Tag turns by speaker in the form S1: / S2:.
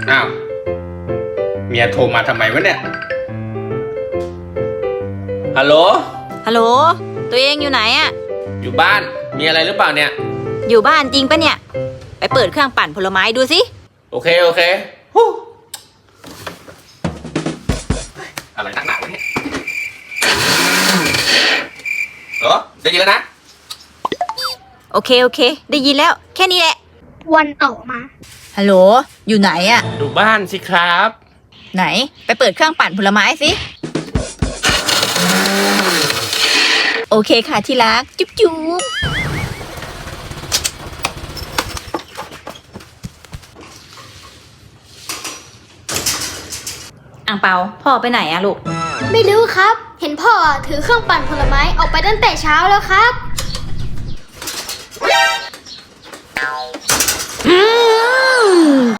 S1: อ้าวเมียโทรมาทำไมวะเนี่ยฮัลโหล
S2: ฮัลโหลตัวเองอยู่ไหนอะ
S1: อยู่บ้านมีอะไรหรือเปล่าเนี่ย
S2: อยู่บ้านจริงปะเนี่ยไปเปิดเครื่องปั่นผลไม้ดูสิ
S1: โอเคโอเคฮู้อะไรนักหนาวะเนี่ยเหรอได้ยินแล้วนะ
S2: โอเคได้ยินแล้วแค่นี้แหละ
S3: วันต่อมา
S2: ฮัลโหลอยู่ไหนอะ
S1: ดูบ้านสิครับ
S2: ไหนไปเปิดเครื่องปั่นผลไม้สิโอเคค่ะที่รักจุ๊บอ่างเปาพ่อไปไหนอะลูก
S3: ไม่รู้ครับ เห็นพ่อถือเครื่องปั่นผลไม้ออกไปตั้งแต่เช้าแล้วครับ